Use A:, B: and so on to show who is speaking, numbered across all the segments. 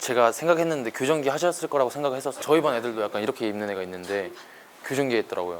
A: 제가 생각했는데 교정기 하셨을 거라고 생각했었어요. 저희 반 애들도 약간 이렇게 입는 애가 있는데 교정기 했더라고요.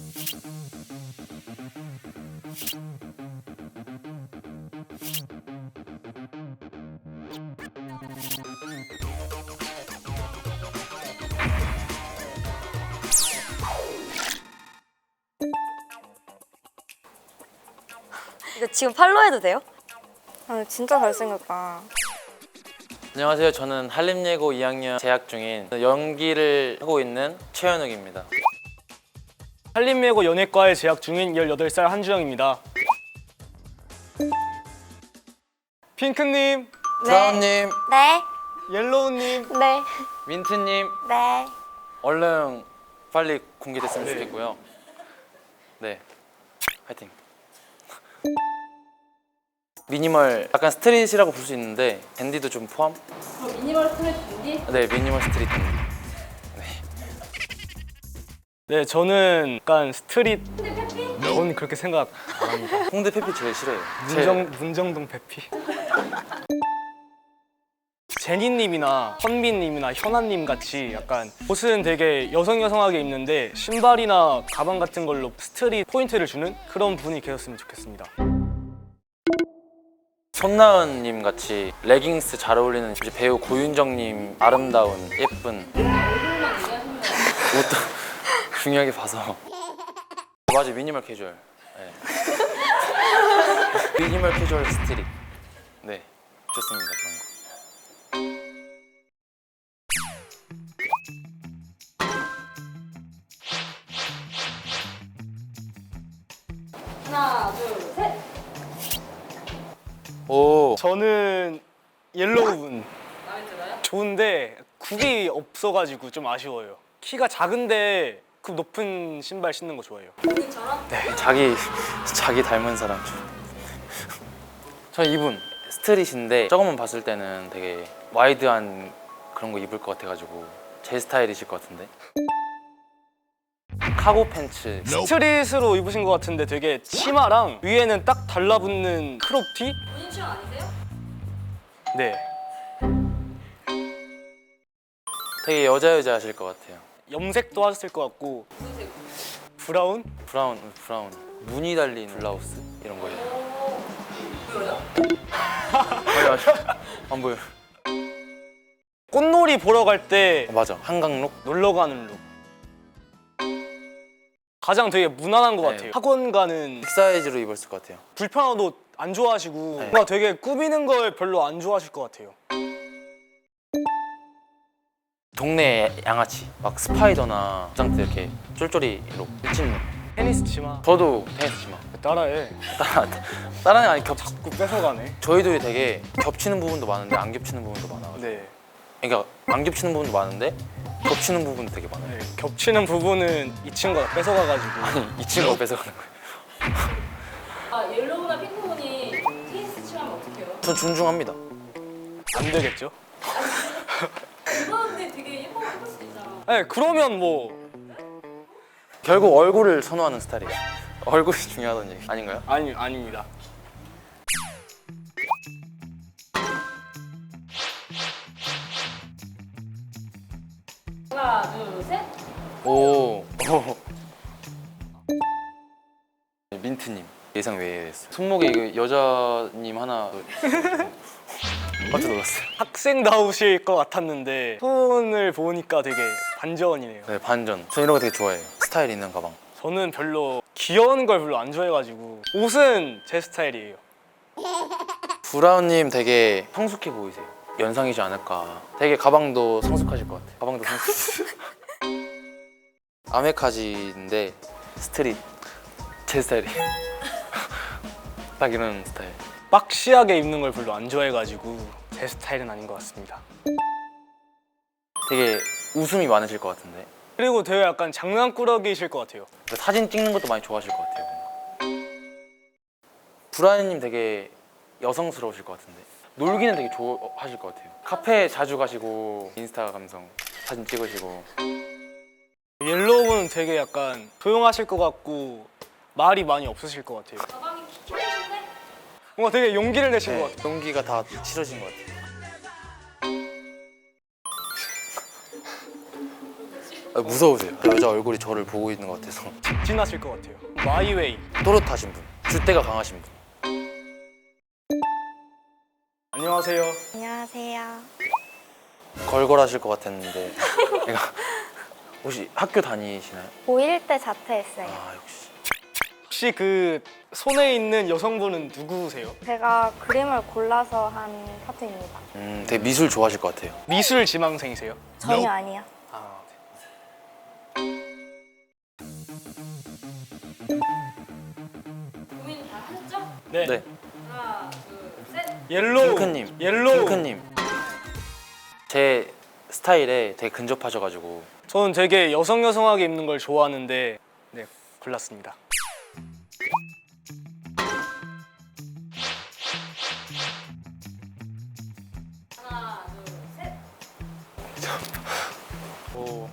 B: 이거 지금 팔로우해도 돼요?
C: 아, 진짜 잘생겼다.
A: 안녕하세요. 저는 한림예고 2학년 재학 중인 연기를 하고 있는 최현욱입니다.
D: 한림예고 연예과에 재학 중인 18살 한주영입니다. 핑크님,
A: 브라운님,
C: 네.
D: 옐로우님,
C: 네.
A: 민트님,
C: 네.
A: 얼른 빨리 공개됐으면
D: 네.
A: 좋겠고요. 네, 화이팅. 미니멀 약간 스트릿이라고 볼 수 있는데 댄디도 좀 포함?
E: 그럼 미니멀 스트릿 댄디?
A: 네, 미니멀 스트릿 댄디.
D: 네, 저는 약간 스트릿. 전 그렇게 생각 안 합니다.
A: 홍대 페피 제일 싫어요.
D: 문정동 페피. 제니님이나 헌빈님이나 현아님 같이 약간 옷은 되게 여성하게 입는데 신발이나 가방 같은 걸로 스트릿 포인트를 주는 그런 분이 계셨으면 좋겠습니다.
A: 손나은님 같이 레깅스 잘 어울리는 이제 배우 고윤정님 아름다운 예쁜
E: 얼굴만 얘기하시면
A: 옷도 중요하게 봐서 맞아 미니멀 캐주얼. 네. 미니멀 캐주얼 스트릿. 네 좋습니다 그런 거.
E: 하나, 둘, 셋!
A: 오
D: 저는 옐로우분
E: 마음에 들어요?
D: 좋은데 굽이 없어가지고 좀 아쉬워요. 키가 작은데 굽 높은 신발 신는 거 좋아해요.
E: 본인처럼?
A: 네, 자기 닮은 사람 좀. 저 이분 스트릿인데 저것만 봤을 때는 되게 와이드한 그런 거 입을 것 같아가지고 제 스타일이실 것 같은데. 카고 팬츠.
D: 스트릿으로 입으신 것 같은데 되게 치마랑 위에는 딱 달라붙는 크롭티?
E: 본인 취향 아니세요?
D: 네.
A: 되게 여자 하실 것 같아요.
D: 염색도 하셨을 것 같고
E: 무슨 색?
D: 브라운?
A: 브라운 무늬 달린 블라우스 이런 거예요.
E: 보여요?
A: 안 보여.
D: 꽃놀이 보러 갈 때
A: 맞아 한강룩.
D: 놀러 가는 룩. 가장 되게 무난한 것
A: 네.
D: 같아요. 학원 가는
A: 빅사이즈로 입었을 것 같아요.
D: 불편한 옷 안 좋아하시고
A: 네.
D: 뭔가 되게 꾸미는 걸 별로 안 좋아하실 것 같아요.
A: 동네 양아치 막 스파이더나 부장 때 이렇게 쫄쫄이로 미친.
D: 테니스 치마.
A: 저도 테니스 치마.
D: 따라해.
A: 다른 애 아니
D: 자꾸 뺏어가네.
A: 저희들이 되게 겹치는 부분도 많은데 안 겹치는 부분도 많아.
D: 네.
A: 그러니까 안 겹치는 부분도 많은데 겹치는 부분도 되게 많아요.
D: 네. 겹치는 부분은 이 친구가 뺏어가가지고
A: 이 친구가 뺏어가는 거예요.
E: 아, 옐로우나 핑크분이 테니스 치면 어떡해요?
A: 전 존중합니다.
D: 안 되겠죠?
E: 그건데 되게 예뻐 보일 수도 있잖아.
D: 네, 그러면 뭐
A: 결국 얼굴을 선호하는 스타일이에요. 얼굴이 중요하다는 얘기 아닌가요?
D: 아닙니다.
E: 하나, 둘, 셋!
A: 오. 민트님 예상 외였어요. 손목에 이거 여자님 하나 깜짝 놀랐어요.
D: 학생다우실 것 같았는데 손을 보니까 되게 반전이네요.
A: 네 반전. 저 이런 거 되게 좋아해요. 스타일 있는 가방.
D: 저는 별로 귀여운 걸 별로 안 좋아해가지고 옷은 제 스타일이에요.
A: 브라운님 되게 성숙해 보이세요. 연상이지 않을까. 되게 가방도 성숙하실 것 같아요. 가방도 성숙. 아메카지인데 스트릿 제 스타일이에요. 딱 이런 스타일.
D: 박시하게 입는 걸 별로 안 좋아해가지고 제 스타일은 아닌 것 같습니다.
A: 되게 웃음이 많으실 것 같은데.
D: 그리고 되게 약간 장난꾸러기이실 것 같아요.
A: 사진 찍는 것도 많이 좋아하실 것 같아요. 브라운님 되게 여성스러우실 것 같은데. 놀기는 되게 좋아하실 것 같아요. 카페 자주 가시고 인스타 감성 사진 찍으시고.
D: 옐로우는 되게 약간 조용하실 것 같고 말이 많이 없으실 것 같아요.
E: 가방이 키키해진데?
D: 뭔가 되게 용기를 내신 것
A: 네,
D: 같아요.
A: 용기가 다 치러진 것 같아요. 무서우세요. 여자 얼굴이 저를 보고 있는 것 같아서.
D: 지나칠 것 같아요. 마이웨이.
A: 또렷하신 분, 줏대가 강하신 분.
D: 안녕하세요.
C: 안녕하세요.
A: 걸걸하실 것 같았는데. 내가 혹시 학교 다니시나요?
C: 고1 때 자퇴했어요.
A: 아 역시.
D: 혹시 그 손에 있는 여성분은 누구세요?
C: 제가 그림을 골라서 한 파트입니다.
A: 되게 미술 좋아하실 것 같아요.
D: 미술 지망생이세요?
C: 전혀 아니요.
D: 아,
E: 고민 다 하셨죠?
D: 네.
A: 네.
E: 하나, 둘, 셋.
D: 옐로우.
A: 핑크님.
D: 옐로우.
A: 핑크님. 제 스타일에 되게 근접하셔가지고.
D: 저는 되게 여성하게 입는 걸 좋아하는데 네, 골랐습니다.
E: 하나, 둘, 셋.
D: 오,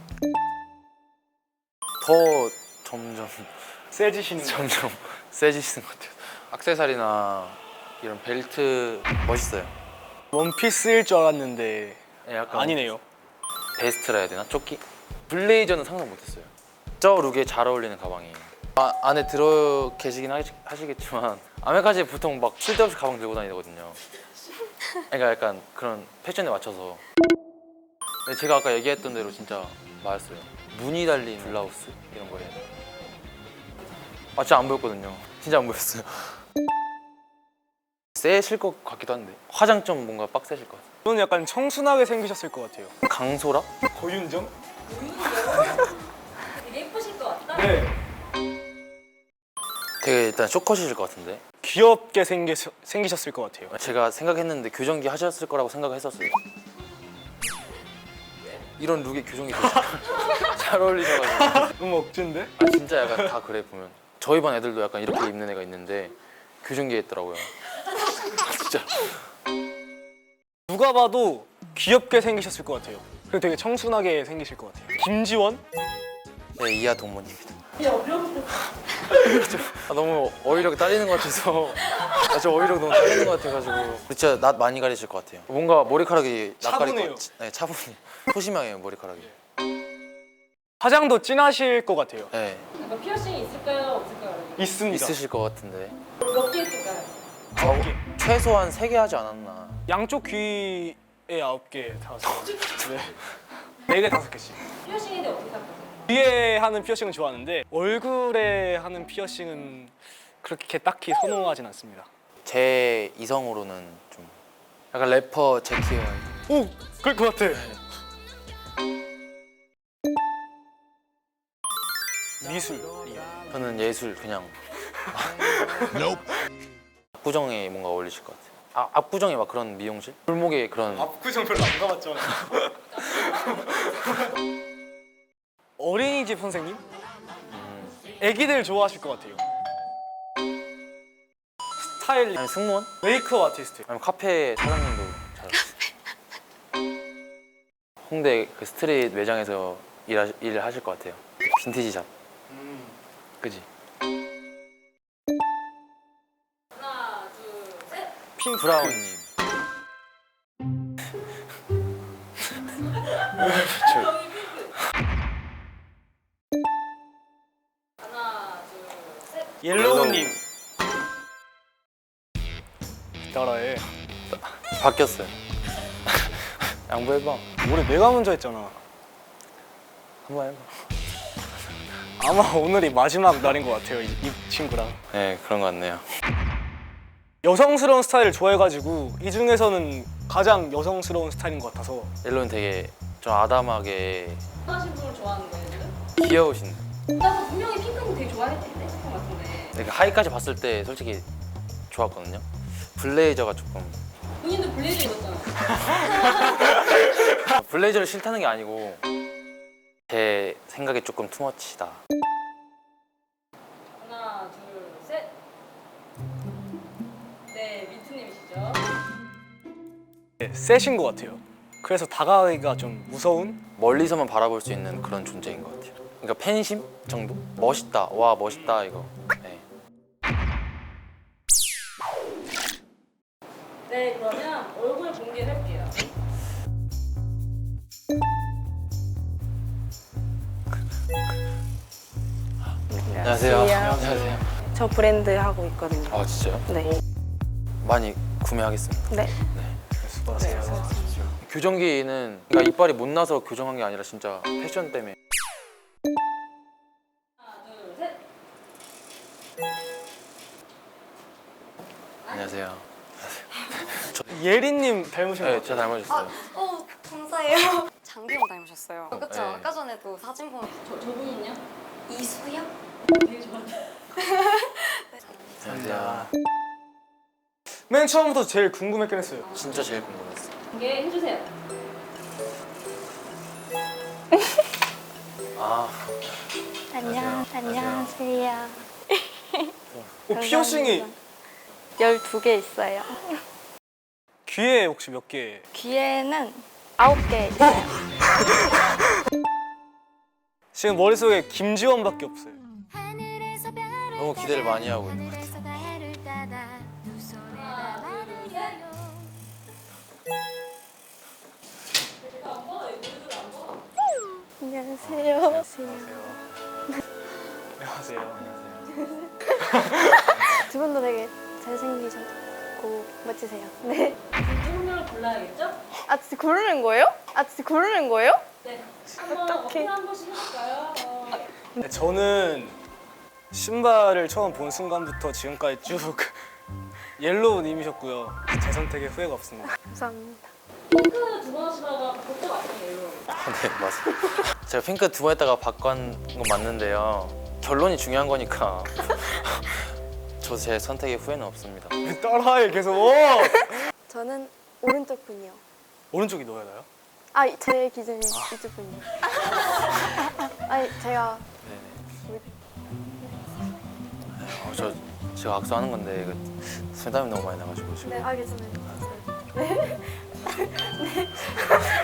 A: 더 점점
D: 세지시는 거.
A: 점점 세지시는 것 같아요. 액세서리나 이런 벨트 멋있어요.
D: 원피스일 줄 알았는데
A: 예, 약간
D: 아니네요.
A: 베스트라 해야 되나? 조끼? 블레이저는 상상 못했어요. 저 룩에 잘 어울리는 가방이에요. 안에 들어 계시긴 하시겠지만 아메카지 보통 막 쓸데없이 가방 들고 다니거든요. 그러니까 약간 그런 패션에 맞춰서. 근데 제가 아까 얘기했던 대로 진짜 맞았어요. 무늬 달린 블라우스 이런 거예요. 아 진짜 안 보였거든요. 진짜 안 보였어요. 세실 것 같기도 한데 화장 좀 뭔가 빡세실 것 같아요.
D: 저는 약간 청순하게 생기셨을 것 같아요.
A: 강소라?
D: 고윤정?
E: 되게 예쁘실 것 같다.
D: 네.
A: 되게 일단 쇼컷이실 것 같은데
D: 귀엽게 생기셨을 것 같아요.
A: 제가 생각했는데 교정기 하셨을 거라고 생각했었어요. 이런 룩에 교정기 되게 잘 어울리셔가지고.
D: 너무 억진데?
A: 아, 진짜 약간 다 그래 보면. 저희 반 애들도 약간 이렇게 입는 애가 있는데 교정기 했더라고요. 진짜.
D: 누가 봐도 귀엽게 생기셨을 것 같아요. 그리고 되게 청순하게 생기실 것 같아요. 김지원?
A: 네, 이하 동문입니다.
E: 야, 어려운데.
A: 너무 어휘력이 딸리는 것 같아서. 저 어휘력 너무 딸리는 것 같아가지고. 진짜 낯 많이 가리실 것 같아요. 뭔가 머리카락이 낯가릴
D: 차분해요.
A: 것 같아. 네, 차분해. 소심하게 머리카락이.
D: 화장도 진하실 것 같아요.
A: 네,
E: 약간 피어싱이 있을까요? 없을까요?
D: 있습니다.
A: 있으실 것 같은데.
E: 몇 개 있을까요?
A: 최소한 3개 하지 않았나.
D: 양쪽 귀에 9개, 5개. 네. 4개, 5개씩.
E: 피어싱에 대해 어떻게 생각하세요?
D: 귀에 하는 피어싱은 좋아하는데 얼굴에 하는 피어싱은 그렇게 딱히 선호하진 않습니다.
A: 제 이성으로는 좀 약간 래퍼 제키어.
D: 오! 그럴 것 같아. 미술이요.
A: 저는 예술 그냥. 압구정에 뭔가 어울리실 것 같아요. 압구정에 막 그런 미용실? 골목에 그런.
D: 압구정 별로 안 가봤잖아. 어린이집 선생님? 애기들 좋아하실 것 같아요. 스타일링,
A: 아니 승무원?
D: 메이크업 아티스트.
A: 아니면 카페 사장님도 잘 어울리세요. 홍대 그 스트릿 매장에서 일을 하실 것 같아요. 빈티지 샵. 그지?
E: 하나, 둘, 셋.
D: 핑
A: 브라운님.
E: 정이 핑크. 하나, 둘, 셋.
D: 옐로우님. 따라해.
A: 바뀌었어요. 양보해봐.
D: 올해 내가 먼저 했잖아.
A: 한번 해봐.
D: 아마 오늘이 마지막 날인 것 같아요, 이 친구랑.
A: 네, 그런 것 같네요.
D: 여성스러운 스타일을 좋아해가지고 이 중에서는 가장 여성스러운 스타일인 것 같아서.
A: 옐로는 되게 좀 아담하게
E: 하신 분을 좋아하는 거예요, 지금?
A: 귀여우신.
E: 나 분명히 핑크는 되게 좋아했는데 것 같은데.
A: 그 하이까지 봤을 때 솔직히 좋았거든요. 블레이저가 조금.
E: 본인도 블레이저 입었잖아.
A: 블레이저를 싫다는 게 아니고 제 생각에 조금 투머치다.
E: 하나, 둘, 셋. 네, 민트님이시죠?
D: 네, 세신 것 같아요. 그래서 다가가기가 좀 무서운?
A: 멀리서만 바라볼 수 있는 그런 존재인 것 같아요. 그러니까 팬심 정도? 멋있다. 와 멋있다 이거. 네.
E: 네, 그러면 얼굴 공개를 할게요.
A: 안녕하세요.
F: 안녕하세요.
A: 안녕하세요.
F: 저 브랜드 하고 있거든요.
A: 아 진짜요?
F: 네.
A: 많이 구매하겠습니다.
F: 네.
D: 수고하세요.
A: 교정기는 그러니까 이빨이 못 나서 교정한 게 아니라 진짜 패션 때문에. 안녕하세요.
D: 예린님 닮으신 것
A: 네,
D: 같아요.
A: 제가 닮아졌어요.
B: 감사해요. 장기영 닮으셨어요. 그쵸?
A: 네.
B: 아까 전에도 사진 보면
E: 저분은요?
B: 이수영?
E: 되게 좋아하는.
A: 안녕하세요.
D: 맨 처음부터 제일 궁금했긴 했어요.
A: 진짜 제일 궁금했어요.
E: 공개 해주세요.
A: 아,
C: 안녕하세요.
D: 피어싱이
C: 12개 있어요.
D: 귀에 혹시 몇 개?
C: 귀에는 9개 있어요.
D: 지금 머릿속에 김지원밖에 없어요.
A: 너무 기대를 많이 하고 있는 것 같아요.
C: 안녕하세요.
D: 안녕하세요.
C: 두 분도 되게 잘생기셨고 멋지세요. 네.
E: 한 명을 골라야겠죠?
C: 아 진짜 고르는 거예요?
E: 네. 한번 어떻게 한 번씩 해볼까요?
D: 네, 저는 신발을 처음 본 순간부터 지금까지 쭉 옐로우님이셨고요. 제 선택에 후회가 없습니다.
C: 감사합니다.
E: 핑크 두 번 하시다가 그때 맞잖아요.
A: 네, 맞아요. 제가 핑크 두 번 했다가 바꾼 건 맞는데요. 결론이 중요한 거니까. 저 제 선택에 후회는 없습니다.
D: 따라해 계속.
C: 저는 오른쪽 분이요.
D: 오른쪽이 너야 나요?
C: 아 제 기준이 이쪽 분이요. 아니 제가
A: 네네. 제가 악수하는 건데 그 술담이 너무 많이 나가지고 지금.
C: 네 알겠습니다. 네.